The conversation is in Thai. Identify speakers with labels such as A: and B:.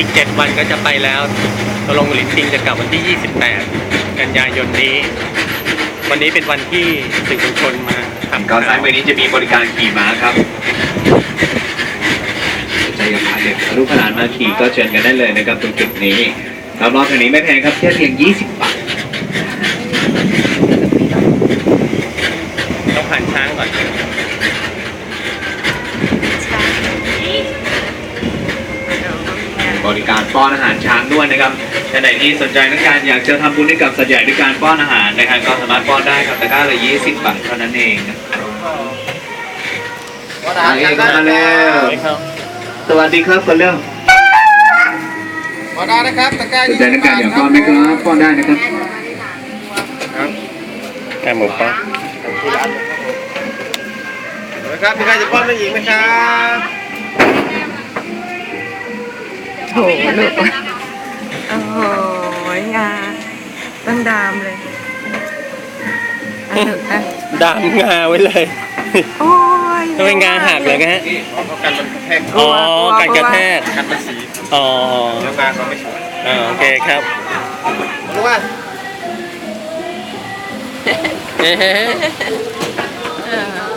A: 7 วันก็จะไปแล้วตกลงลินปิงจะกลับวันที่ 28 กันยายนนี้ วันนี้เป็นวันที่สื่อมวลชนมาทำ
B: ก่อนซ้ายมือนี้จะมีบริการขี่ม้าครับจะอยากพาเด็กลูกหลานมาขี่ก็เชิญกันได้เลยนะครับตรงจุดนี้รอบๆทางนี้ไม่แพงครับแค่เพียง20 บาท
A: ต้องผ่านช้างก่อน
B: บริการป้อนอาหารช้างด้วยนะครับท่านไหนที่สนใจต้องการอยากจะทำบุญให้กับสัตว์ใหญ่ด้วยการป้อนอาหารนะครับก็สามารถป้อนได้ครับตะกร้าละ20 บาทเท่านั้นเองมาเองก็มาแล้วสวัสดีครับคนเรื่อง
C: ป้อนได้นะครับตะกร้า
B: สนใจต้องการอยากป้อนไหมครับป้อนได้นะครับ
A: แค่หมูป้า
C: นะครับมีใครจะป้อนผู้หญิงไหมครับ
D: โถลูกโอ้โหงาต้นดามเลยถูกนะ
A: ดามงาไว้เลย
D: โอ้ย
A: ทำไมงาหักเลยฮะ
C: นี่ป้องกันมันแทก
A: อ๋อการกระแทก
C: กันมันสี
A: อ๋อ
C: แล้วมาเขาไม่สวย
A: โอเคครับ
C: รู้ว่า
A: เอ๊ะ